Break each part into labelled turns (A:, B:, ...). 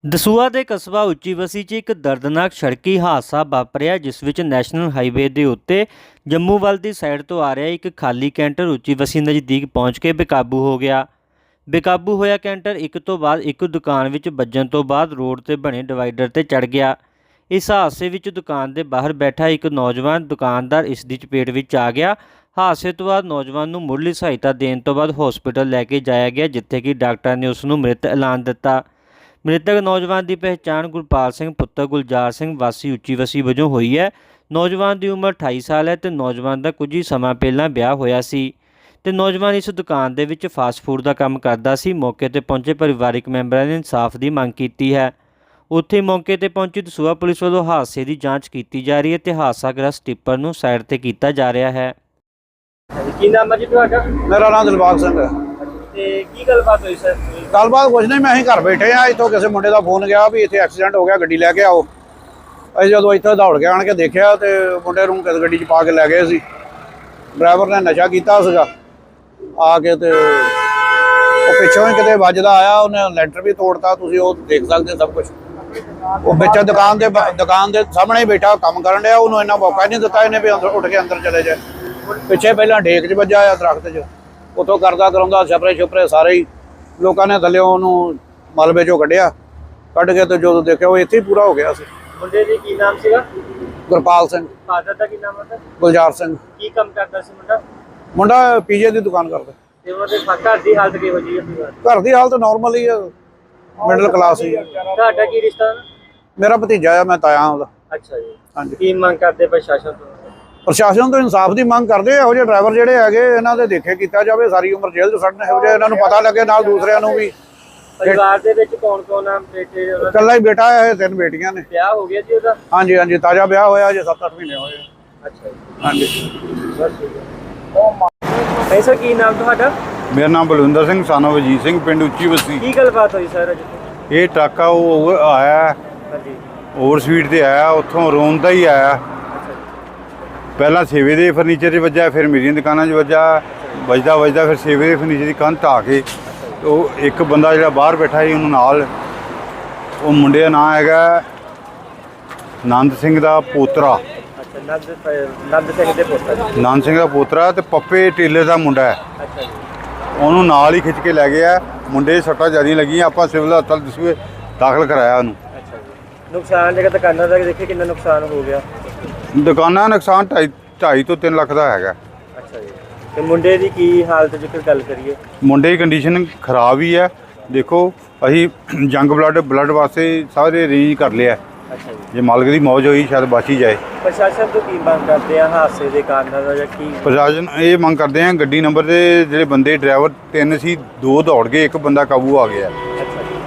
A: ਦਸੂਹਾ ਦੇ ਕਸਬਾ ਉੱਚੀ ਬਸੀ 'ਚ ਇੱਕ ਦਰਦਨਾਕ ਸੜਕੀ ਹਾਦਸਾ ਵਾਪਰਿਆ ਜਿਸ ਵਿੱਚ ਨੈਸ਼ਨਲ ਹਾਈਵੇ ਦੇ ਉੱਤੇ ਜੰਮੂ ਵੱਲ ਦੀ ਸਾਈਡ ਤੋਂ ਆ ਰਿਹਾ ਇੱਕ ਖਾਲੀ ਕੈਂਟਰ ਉੱਚੀ ਬਸੀ ਨਜ਼ਦੀਕ ਪਹੁੰਚ ਕੇ ਬੇਕਾਬੂ ਹੋ ਗਿਆ। ਬੇਕਾਬੂ ਹੋਇਆ ਕੈਂਟਰ ਇੱਕ ਤੋਂ ਬਾਅਦ ਇੱਕ ਦੁਕਾਨ ਵਿੱਚ ਵੱਜਣ ਤੋਂ ਬਾਅਦ ਰੋਡ ਤੇ ਬਣੇ ਡਿਵਾਈਡਰ ਤੇ ਚੜ ਗਿਆ। ਇਸ ਹਾਦਸੇ ਵਿੱਚ ਦੁਕਾਨ ਦੇ ਬਾਹਰ ਬੈਠਾ ਇੱਕ ਨੌਜਵਾਨ ਦੁਕਾਨਦਾਰ ਇਸ ਦੀ ਚਪੇਟ ਵਿੱਚ ਆ ਗਿਆ। ਹਾਦਸੇ ਤੋਂ ਬਾਅਦ ਨੌਜਵਾਨ ਨੂੰ ਮੁੱਢਲੀ ਸਹਾਇਤਾ ਦੇਣ ਤੋਂ ਬਾਅਦ ਹਸਪਤਾਲ ਲੈ ਕੇ ਜਾਇਆ ਗਿਆ ਜਿੱਥੇ ਕਿ ਡਾਕਟਰਾਂ ਨੇ ਉਸ ਨੂੰ ਮ੍ਰਿਤ ਐਲਾਨ ਦਿੱਤਾ। ਮ੍ਰਿਤਕ ਨੌਜਵਾਨ ਦੀ ਪਹਿਚਾਣ ਗੁਰਪਾਲ ਸਿੰਘ ਪੁੱਤਰ ਗੁਲਜ਼ਾਰ ਸਿੰਘ ਵਾਸੀ ਉੱਚੀ ਬਸੀ ਵਜੋਂ ਹੋਈ ਹੈ। ਨੌਜਵਾਨ ਦੀ ਉਮਰ 28 ਸਾਲ ਹੈ ਤੇ ਨੌਜਵਾਨ ਦਾ ਕੁਝ ਹੀ ਸਮਾਂ ਪਹਿਲਾਂ ਵਿਆਹ ਹੋਇਆ ਸੀ ਤੇ ਨੌਜਵਾਨ ਇਸ ਦੁਕਾਨ ਦੇ ਵਿੱਚ ਫਾਸਟ ਫੂਡ ਦਾ ਕੰਮ ਕਰਦਾ ਸੀ। ਮੌਕੇ ਤੇ ਪਹੁੰਚੇ ਪਰਿਵਾਰਕ ਮੈਂਬਰਾਂ ਨੇ ਇਨਸਾਫ ਦੀ ਮੰਗ ਕੀਤੀ ਹੈ। ਉੱਥੇ ਮੌਕੇ ਤੇ ਪਹੁੰਚੀ ਦਸੂਹਾ ਪੁਲਿਸ ਵੱਲੋਂ ਹਾਦਸੇ ਦੀ ਜਾਂਚ ਕੀਤੀ ਜਾ ਰਹੀ ਹੈ ਤੇ ਹਾਦਸਾਗ੍ਰਸਤ ਟਿੱਪਰ ਨੂੰ ਸਾਈਡ ਤੇ ਕੀਤਾ ਜਾ ਰਿਹਾ ਹੈ।
B: ਕੀ ਨਾਮ ਹੈ ਜੀ ਤੁਹਾਡਾ?
C: ਮੇਰਾ ਨਾਮ ਦਿਲਬਾਗ ਸਿੰਘ ਹੈ।
B: ਤੇ ਕੀ ਗੱਲਬਾਤ ਹੋਈ ਸਰ?
C: ਗੱਲਬਾਤ ਕੁਝ ਨਹੀਂ, ਮੈਂ ਅਸੀਂ ਘਰ ਬੈਠੇ ਆ। ਇੱਥੋਂ ਕਿਸੇ ਮੁੰਡੇ ਦਾ ਫੋਨ ਗਿਆ ਵੀ ਇੱਥੇ ਐਕਸੀਡੈਂਟ ਹੋ ਗਿਆ, ਗੱਡੀ ਲੈ ਕੇ ਆਓ। ਅਸੀਂ ਜਦੋਂ ਇੱਥੇ ਦੌੜ ਕੇ ਆਣ ਕੇ ਦੇਖਿਆ ਤੇ ਮੁੰਡੇ ਨੂੰ ਕਿਸ ਗੱਡੀ 'ਚ ਪਾ ਕੇ ਲੈ ਗਏ ਸੀ। ਡਰਾਈਵਰ ਨੇ ਨਸ਼ਾ ਕੀਤਾ ਸੀਗਾ। ਆ ਕੇ ਤੇ ਉਹ ਪਿੱਛੋਂ ਹੀ ਕਿਤੇ ਵੱਜਦਾ ਆਇਆ, ਉਹਨੇ ਲੈਂਟਰ ਵੀ ਤੋੜਤਾ। ਤੁਸੀਂ ਉਹ ਦੇਖ ਸਕਦੇ ਸਭ ਕੁਝ। ਉਹ ਵਿੱਚ ਦੁਕਾਨ ਦੇ ਸਾਹਮਣੇ ਹੀ ਬੈਠਾ ਕੰਮ ਕਰਨ ਡਿਆ। ਉਹਨੂੰ ਇੰਨਾ ਮੌਕਾ ਨਹੀਂ ਦਿੱਤਾ ਇਹਨੇ ਵੀ ਉੱਠ ਕੇ ਅੰਦਰ ਚਲੇ ਜਾਏ। ਪਿੱਛੇ ਪਹਿਲਾਂ ਡੇਕ 'ਚ ਵੱਜਾ ਆ ਦਰਖਤ 'ਚ, ਉੱਥੋਂ ਕਰਦਾ ਕਰਾਉਂਦਾ ਛਪਰੇ ਸਾਰੇ ਹੀ ਲੋਕਾਂ ਨੇ ਥੱਲੇ ਉਹਨੂੰ ਮਲਬੇ 'ਚੋਂ ਕੱਢ ਕੇ ਤੇ ਜਦੋਂ ਦੇਖਿਆ ਉਹ ਇੱਥੇ ਹੀ ਪੂਰਾ ਹੋ ਗਿਆ ਸੀ।
B: ਮੁੰਡੇ ਦੀ ਕੀ ਨਾਮ ਸੀਗਾ?
C: ਗੁਰਪਾਲ ਸਿੰਘ।
B: ਫਾਦਰ ਦਾ ਕੀ ਨਾਮ ਹੈ?
C: ਗੁਲਜ਼ਾਰ ਸਿੰਘ।
B: ਕੀ ਕੰਮ ਕਰਦਾ ਸੀ ਮੁੰਡਾ?
C: ਮੁੰਡਾ ਪੀਜੇ ਦੀ ਦੁਕਾਨ ਕਰਦਾ।
B: ਤੇ ਉਹਦੇ ਘਰ ਦੀ ਹਾਲਤ ਕਿਹੋ ਜਿਹੀ ਹੈ?
C: ਘਰ ਦੀ ਹਾਲਤ ਨਾਰਮਲ ਹੀ ਆ, ਮਿਡਲ ਕਲਾਸ ਹੀ ਆ।
B: ਤੁਹਾਡਾ ਕੀ ਰਿਸ਼ਤਾ?
C: ਮੇਰਾ ਭਤੀਜਾ ਆ, ਮੈਂ ਤਾਇਆ ਉਹਦਾ।
B: ਅੱਛਾ ਜੀ।
C: ਹਾਂਜੀ।
B: ਕੀ ਮੰਗ ਕਰਦੇ ਪ੍ਰਸ਼ਾਸਨ ਤੋਂ?
C: ਪ੍ਰਸ਼ਾਸਨ ਤੋਂ ਇਨਸਾਫ ਦੀ ਮੰਗ ਕਰਦੇ। ਇਹੋ ਜਿਹੇ ਡਰਾਈਵਰ ਜਿਹੜੇ ਹੈਗੇ ਇਹਨਾਂ ਦੇ ਦੇਖੇ ਕੀਤਾ ਜਾਵੇ। ਸਾਰੀ ਉਮਰ ਜੇਲ੍ਹ 'ਚ ਸੜਨ। ਇਹੋ ਜਿਹੇ ਇਹਨਾਂ ਨੂੰ ਪਤਾ ਲੱਗੇ ਨਾਲ ਦੂਸਰਿਆਂ ਨੂੰ ਵੀ।
B: ਪਰਿਵਾਰ ਦੇ ਵਿੱਚ ਕੌਣ ਆ? ਬੇਟੇ?
C: ਇਕੱਲਾ ਹੀ ਬੇਟਾ ਹੈ, 3 ਬੇਟੀਆਂ ਨੇ।
B: ਵਿਆਹ ਹੋ ਗਿਆ ਜੀ ਉਹਦਾ?
C: ਹਾਂਜੀ, ਤਾਜ਼ਾ ਵਿਆਹ ਹੋਇਆ ਜੇ 7-8 ਮਹੀਨੇ ਹੋਏ।
B: ਅੱਛਾ ਜੀ।
C: ਹਾਂਜੀ।
B: ਬਸ ਠੀਕ ਹੈ। ਸਰ ਕੀ ਨਾਮ ਤੁਹਾਡਾ?
D: ਮੇਰਾ ਨਾਮ ਬਲਵਿੰਦਰ ਸਿੰਘ ਸਾਨੋ ਵਜੀਤ ਸਿੰਘ, ਪਿੰਡ ਉੱਚੀ ਬਸੀ।
B: ਕੀ ਗੱਲਬਾਤ ਹੋਈ ਸਰ ਅੱਜ?
D: ਇਹ ਟਰੱਕ ਆ ਉਹ ਆਇਆ
B: ਹਾਂਜੀ।
D: ਓਵਰ ਸਪੀਡ ਤੇ ਆਇਆ, ਉੱਥੋਂ ਰੋਂਦਾ ਹੀ ਆਇਆ। ਪਹਿਲਾਂ ਸੇਵੇ ਦੇ ਫਰਨੀਚਰ 'ਚ ਵੱਜਾ, ਫਿਰ ਮੇਰੀਆਂ ਦੁਕਾਨਾਂ 'ਚ ਵੱਜਦਾ ਫਿਰ ਸੇਵੇ ਦੇ ਫਰਨੀਚਰ ਦੀ ਕੰਧ ਢਾਹ ਕੇ ਉਹ ਇੱਕ ਬੰਦਾ ਜਿਹੜਾ ਬਾਹਰ ਬੈਠਾ ਸੀ ਉਹਨੂੰ ਨਾਲ, ਉਹ ਮੁੰਡੇ ਦਾ ਨਾਂ ਹੈਗਾ ਨੰਦ ਸਿੰਘ ਦਾ ਪੋਤਰਾ।
B: ਨੰਦ ਸਿੰਘ ਦੇ ਪੁੱਤਰ?
D: ਨੰਦ ਸਿੰਘ ਦਾ ਪੋਤਰਾ ਤੇ ਪੱਪੇ ਟੇਲਰ ਦਾ ਮੁੰਡਾ ਹੈ।
B: ਅੱਛਾ ਜੀ।
D: ਉਹਨੂੰ ਨਾਲ ਹੀ ਖਿੱਚ ਕੇ ਲੈ ਗਿਆ। ਮੁੰਡੇ ਸੱਟਾਂ ਜ਼ਿਆਦਾ ਲੱਗੀਆਂ। ਆਪਾਂ ਸਿਵਲ ਹਸਪਤਾਲ ਦਸੂਹੇ ਦਾਖਲ ਕਰਾਇਆ ਉਹਨੂੰ।
B: ਅੱਛਾ ਜੀ। ਨੁਕਸਾਨ ਜਿਹੜਾ ਦੁਕਾਨਾਂ ਦਾ ਦੇਖੇ ਕਿੰਨਾ ਨੁਕਸਾਨ ਹੋ ਗਿਆ?
D: ਦੁਕਾਨਾਂ ਦਾ ਨੁਕਸਾਨ 2.5 ਤੋਂ 3 ਲੱਖ ਦਾ ਹੈਗਾ।
B: ਅੱਛਾ ਜੀ। ਤੇ ਮੁੰਡੇ ਦੀ ਕੀ ਹਾਲਤ ਜੇਕਰ ਗੱਲ ਕਰੀਏ?
D: ਮੁੰਡੇ ਦੀ ਕੰਡੀਸ਼ਨ ਖਰਾਬ ਹੀ ਹੈ। ਦੇਖੋ ਅਸੀਂ ਜੰਗ ਬਲੱਡ ਵਾਸਤੇ ਸਾਰੇ ਅਰੇਂਜ ਕਰ ਲਿਆ।
B: ਅੱਛਾ ਜੀ।
D: ਜੇ ਮਾਲਕ ਦੀ ਮੌਜ ਹੋਈ ਸ਼ਾਇਦ ਬਚ ਹੀ ਜਾਏ।
B: ਪ੍ਰਸ਼ਾਸਨ ਤੋਂ ਕੀ ਮੰਗ ਕਰਦੇ ਆ ਹਾਦਸੇ ਦੇ ਕਾਰਨਾਂ ਦਾ ਜਾਂ ਕੀ?
D: ਪ੍ਰਸ਼ਾਸਨ ਇਹ ਮੰਗ ਕਰਦੇ ਆ ਗੱਡੀ ਨੰਬਰ ਦੇ ਜਿਹੜੇ ਬੰਦੇ ਡਰਾਈਵਰ 3 ਸੀ, 2 ਦੌੜ ਗਏ, ਇੱਕ ਬੰਦਾ ਕਾਬੂ ਆ ਗਿਆ।
B: ਅੱਛਾ ਜੀ।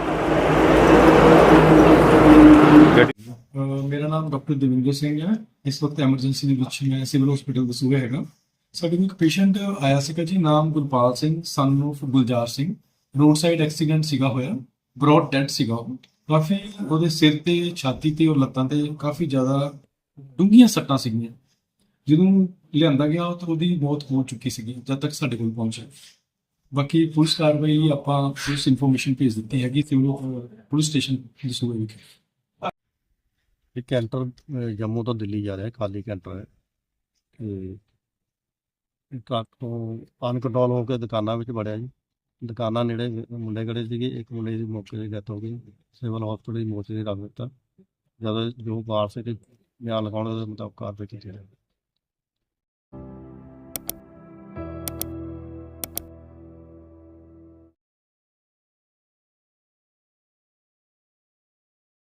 E: ਮੇਰਾ ਨਾਮ ਡਾਕਟਰ ਦਵਿੰਦਰ ਸਿੰਘ ਹੈ। ਇਸ ਵਕਤ ਐਮਰਜੈਂਸੀ ਦੇ ਵਿੱਚ ਮੈਂ ਸਿਵਲ ਹਸਪੀਟਲ ਦਸੂਹਾ ਹੈਗਾ। ਸਾਡੇ ਕੋਲ ਇੱਕ ਪੇਸ਼ੈਂਟ ਆਇਆ ਸੀਗਾ ਜੀ, ਨਾਮ Gurpal Singh son of Gulzar Singh. Road side accident ਸੀਗਾ ਹੋਇਆ, ਬ੍ਰੌਡ ਡੈਡ ਸੀਗਾ ਉਹ। ਕਾਫੀ ਉਹਦੇ ਸਿਰ ਤੇ, ਛਾਤੀ ਤੇ ਔਰ ਲੱਤਾਂ ਤੇ ਕਾਫੀ ਜ਼ਿਆਦਾ ਡੂੰਘੀਆਂ ਸੱਟਾਂ ਸੀਗੀਆਂ। ਜਦੋਂ ਲਿਆਂਦਾ ਗਿਆ ਤਾਂ ਉਹਦੀ ਮੌਤ ਹੋ ਚੁੱਕੀ ਸੀਗੀ ਜਦ ਤੱਕ ਸਾਡੇ ਕੋਲ ਪਹੁੰਚਿਆ। ਬਾਕੀ ਪੁਲਿਸ ਕਾਰਵਾਈ ਆਪਾਂ ਪੁਲਿਸ ਇਨਫੋਰਮੇਸ਼ਨ ਭੇਜ ਦਿੱਤੀ ਹੈਗੀ ਸਿਵਲ ਪੁਲਿਸ ਸਟੇਸ਼ਨ ਦਸੂਹਾ ਵਿਖੇ।
F: ਇਹ ਕੈਂਟਰ ਜੰਮੂ ਤੋਂ ਦਿੱਲੀ ਜਾ ਰਿਹਾ, ਖਾਲੀ ਕੈਂਟਰ ਹੈ। ਤੇ ਟਰੱਕ ਤੋਂ ਅਨਕੰਟਰੋਲ ਹੋ ਕੇ ਦੁਕਾਨਾਂ ਵਿੱਚ ਵੜਿਆ ਜੀ। ਦੁਕਾਨਾਂ ਨੇੜੇ ਮੁੰਡੇ ਖੜੇ ਸੀਗੇ। ਇੱਕ ਮੁੰਡੇ ਦੀ ਮੌਕੇ 'ਤੇ ਡੈਥ ਹੋ ਗਈ, ਸਿਵਲ ਹਸਪਤਾਲ ਦੀ ਮੌਤ 'ਤੇ ਰੱਖ ਦਿੱਤਾ। ਜਦੋਂ ਜੋ ਵਾਰਸ ਤੇ ਬਿਆਨ ਲਿਖਾਉਣ ਦੇ ਮੁਤਾਬਕ ਕਾਰਵਾਈ ਕੀਤੀ ਜਾਵੇਗੀ।